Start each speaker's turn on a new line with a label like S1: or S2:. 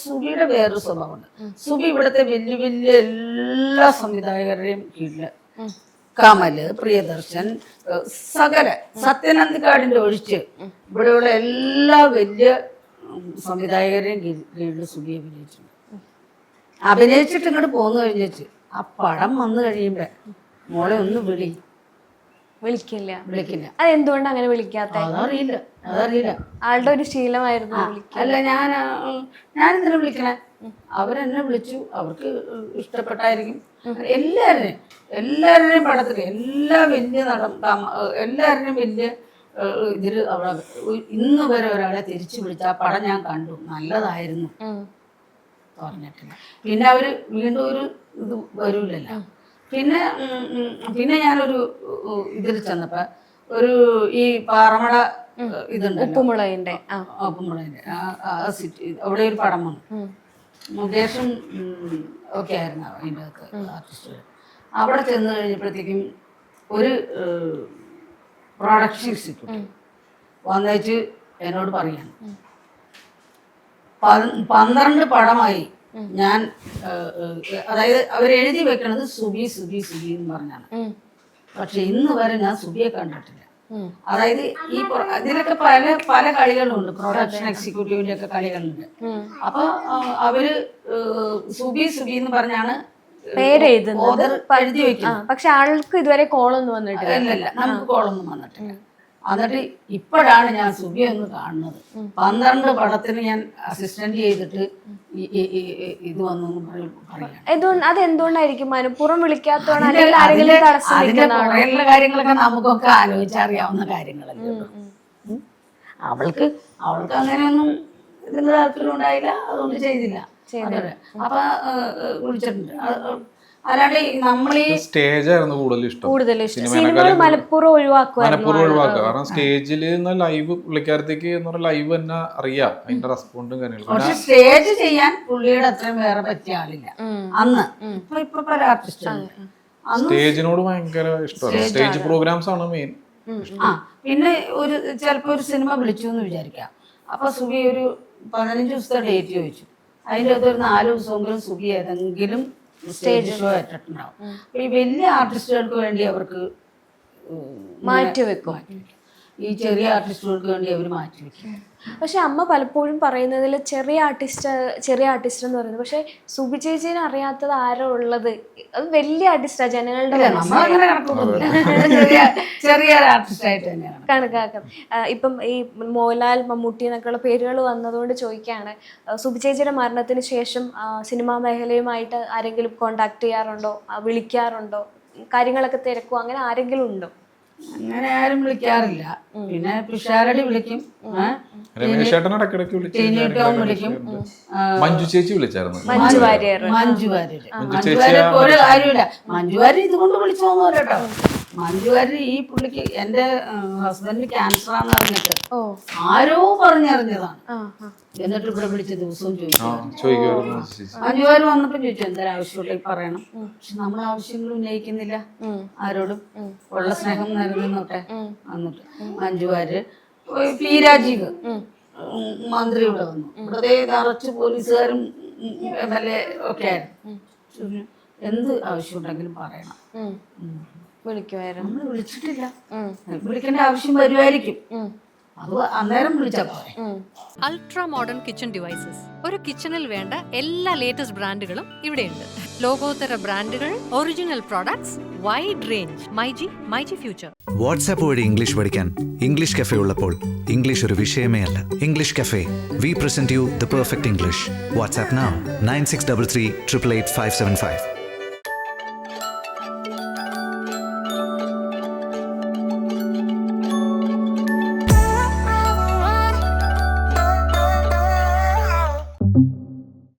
S1: സുബിയുടെ വേറൊരു സ്വഭാവമുണ്ട്. സുബി ഇവിടുത്തെ വലിയ വലിയ എല്ലാ സംവിധായകരുടെയും കീഴില് കമല്, പ്രിയദർശൻ, സകല സത്യനന്ദിക്കാടിന്റെ ഒഴിച്ച് ഇവിടെയുള്ള എല്ലാ വലിയ സംവിധായകരെയും കീഴിൽ സുബി അഭിനയിച്ചിട്ടുണ്ട്. അഭിനയിച്ചിട്ട് ഇങ്ങോട്ട് പോന്നു കഴിഞ്ഞിട്ട് ആ പടം വന്നു കഴിയുമ്പോ മോളെ ഒന്ന്
S2: വിളിക്കില്ല.
S1: അത്
S2: എന്തുകൊണ്ട് അങ്ങനെ വിളിക്കാത്ത?
S1: അതറിയില്ല.
S2: ആളുടെ ഒരു ശീലമായിരുന്നു.
S1: അല്ല, ഞാനെന്തിനാ വിളിക്കണേ? അവരെന്നെ വിളിച്ചു, അവർക്ക് ഇഷ്ടപ്പെട്ടായിരിക്കും. എല്ലാവരുടെയും പടത്തിൽ എല്ലാ വലിയ എല്ലാവരുടെയും വലിയ ഇതിൽ അവിടെ ഇന്ന് വരെ ഒരാളെ തിരിച്ചു വിളിച്ച ആ പടം ഞാൻ കണ്ടു, നല്ലതായിരുന്നു പറഞ്ഞിട്ടില്ല. പിന്നെ അവര് വീണ്ടും ഒരു ഇത് വരൂലല്ലോ. പിന്നെ ഞാനൊരു ഇതിൽ ചെന്നപ്പോ ഒരു ഈ പാറമട ഇതുണ്ട്,
S2: ഉപ്പുമുളകിന്റെ
S1: സിറ്റി, അവിടെ ഒരു പടം വന്നു. മുകേഷും ഒക്കെ ആയിരുന്നു അതിൻ്റെ അകത്ത് ആർട്ടിസ്റ്റുകൾ. അവിടെ ചെന്ന് കഴിഞ്ഞപ്പോഴത്തേക്കും ഒരു പ്രൊഡക്ഷൻ എക്സിക്യൂട്ടീവ് വന്നേച്ച് എന്നോട് പറയാണ്, 12 പടമായി ഞാൻ, അതായത് അവരെഴുതി വെക്കണത് സുബി സുബി സുബി എന്ന് പറഞ്ഞാണ്. പക്ഷെ ഇന്ന് വരെ ഞാൻ സുബിയെ കണ്ടിട്ടില്ല. അതായത് ഈ ഇതിലൊക്കെ പല കളികളുണ്ട്, പ്രൊഡക്ഷൻ എക്സിക്യൂട്ടീവിന്റെ ഒക്കെ കളികളുണ്ട്. അപ്പൊ അവര് സുബി സുബി എന്ന് പറഞ്ഞാണ് എഴുതി വെക്കുന്നത്.
S2: പക്ഷെ ആൾക്ക് ഇതുവരെ കോളൊന്നും വന്നിട്ടില്ല.
S1: ഇല്ല, നമുക്ക് കോളൊന്നും വന്നിട്ടില്ല. എന്നിട്ട് ഇപ്പോഴാണ് ഞാൻ സുബിയെ ഒന്ന് കാണുന്നത്. 12 പടത്തിന് ഞാൻ അസിസ്റ്റന്റ് ചെയ്തിട്ട് ഇത് വന്നു പറയാം.
S2: അതെന്തുകൊണ്ടായിരിക്കും മനഃപൂർവ്വം വിളിക്കാത്തതാണ്?
S1: കാര്യങ്ങളൊക്കെ നമുക്കൊക്കെ ആലോചിച്ചറിയാവുന്ന കാര്യങ്ങളല്ലേ. അവൾക്ക് അങ്ങനെയൊന്നും ഇതിന് താല്പര്യം ഉണ്ടായില്ല, അതുകൊണ്ട് ചെയ്തില്ല. അപ്പൊ വിളിച്ചിട്ടുണ്ട്. അല്ലാണ്ട് നമ്മളീ
S3: സ്റ്റേജായിരുന്നു കൂടുതൽ ഇഷ്ടം.
S2: മനഃപൂർവ്വം ഒഴിവാക്കുക.
S3: കാരണം സ്റ്റേജിൽ ലൈവ് പുള്ളിക്കാരത്തേക്ക് ലൈവ് തന്നെ അറിയാം അതിന്റെ റെസ്പോണ്ടും കാര്യങ്ങളും.
S1: പക്ഷെ സ്റ്റേജ് ചെയ്യാൻ പുള്ളിയുടെ അത്രയും വേറെ പറ്റിയ ആളില്ല അന്ന്. ഇപ്പൊ പല ആർട്ടിസ്റ്റുണ്ട്
S3: സ്റ്റേജിനോട് ഭയങ്കര ഇഷ്ടമാണ്. സ്റ്റേജ് പ്രോഗ്രാംസ് ആണ് മെയിൻ.
S1: പിന്നെ ചിലപ്പോ ഒരു സിനിമ വിളിച്ചു എന്ന് വിചാരിക്കാം. അപ്പൊ സുബി ഒരു 15 ദിവസത്തെ ഡേറ്റ് ചോദിച്ചു. അതിൻ്റെ അകത്ത് ഒരു 4 ദിവസമെങ്കിലും സുബി ഏതെങ്കിലും സ്റ്റേജ് ഷോ ഏറ്റിട്ടുണ്ടാവും. ഈ വലിയ ആർട്ടിസ്റ്റുകൾക്ക് വേണ്ടി അവർക്ക്
S2: മാറ്റിവെക്കും.
S1: ഈ ചെറിയ ആർട്ടിസ്റ്റുകൾക്ക് വേണ്ടി അവർ മാറ്റിവെക്കും.
S2: പക്ഷെ അമ്മ പലപ്പോഴും പറയുന്നതിൽ ചെറിയ ആർട്ടിസ്റ്റ് എന്ന് പറയുന്നത്, പക്ഷെ സുബി ചേച്ചീനെ അറിയാത്തത് ആരോ ഉള്ളത്, അത് വലിയ ആർട്ടിസ്റ്റാ ജനങ്ങളുടെ കണക്കാക്കാം. ഇപ്പം ഈ മോഹൻലാൽ, മമ്മൂട്ടി എന്നൊക്കെയുള്ള പേരുകൾ വന്നതുകൊണ്ട് ചോദിക്കുകയാണ്, സുബി ചേച്ചിയുടെ മരണത്തിന് ശേഷം സിനിമാ മേഖലയുമായിട്ട് ആരെങ്കിലും കോണ്ടാക്ട് ചെയ്യാറുണ്ടോ, വിളിക്കാറുണ്ടോ, കാര്യങ്ങളൊക്കെ തിരക്കുമോ, അങ്ങനെ ആരെങ്കിലും ഉണ്ടോ?
S1: അങ്ങനെ ആരും വിളിക്കാറില്ല. പിന്നെ പിഷാരടി വിളിക്കും, വിളിക്കും.
S3: മഞ്ജു ചേച്ചി വിളിച്ചായിരുന്നു.
S1: മഞ്ജു വാര്യർ ഒരു കാര്യമില്ല. മഞ്ജു വാര്യർ ഇതുകൊണ്ട് വിളിച്ചോന്നോ കേട്ടോ. മഞ്ജു വാര്യർ ഈ പുള്ളിക്ക്, എന്റെ ഹസ്ബൻഡിന് ക്യാൻസറാന്ന് പറഞ്ഞിട്ട് ആരോ പറഞ്ഞറിഞ്ഞതാണ്. എന്നിട്ട് ഇവിടെ വിളിച്ച ദിവസവും ചോദിച്ചു. മഞ്ജു വാര്യർ വന്നപ്പോ ചോദിച്ചു എന്തൊരു ആവശ്യമുള്ള പറയണം. പക്ഷെ നമ്മൾ ആവശ്യങ്ങൾ ഉന്നയിക്കുന്നില്ല ആരോടും, ഉള്ള സ്നേഹം നിലനിന്നോട്ടെ. എന്നിട്ട് മഞ്ജു വാര്യർ, പി രാജീവ് മന്ത്രി ഇവിടെ വന്നു. ഇവിടെ നിറച്ച് പോലീസുകാരും MLA ഒക്കെ ആയിരുന്നു. എന്ത് ആവശ്യമുണ്ടെങ്കിലും പറയണം.
S2: വിളിക്കുമായിരുന്നു.
S1: നമ്മൾ വിളിച്ചിട്ടില്ല. വിളിക്കേണ്ട ആവശ്യം വരുമായിരിക്കും, അത് അന്നേരം വിളിച്ചാൽ പോരെ.
S4: Ultra modern kitchen devices. ഒരു കിച്ചണിൽ വേണ്ട എല്ലാ ലേറ്റസ്റ്റ് ബ്രാൻഡുകളും ഇവിടെയുണ്ട്. ലോകോത്തര ബ്രാൻഡുകൾ, original products, wide range. MyG future.
S5: WhatsApp വഴി ഇംഗ്ലീഷ് പഠിക്കാൻ ഇംഗ്ലീഷ് കഫേ ഉള്ളപ്പോൾ ഇംഗ്ലീഷ് ഒരു വിഷയമേ അല്ല. English cafe, we present you the perfect English. WhatsApp now 9633 888 575.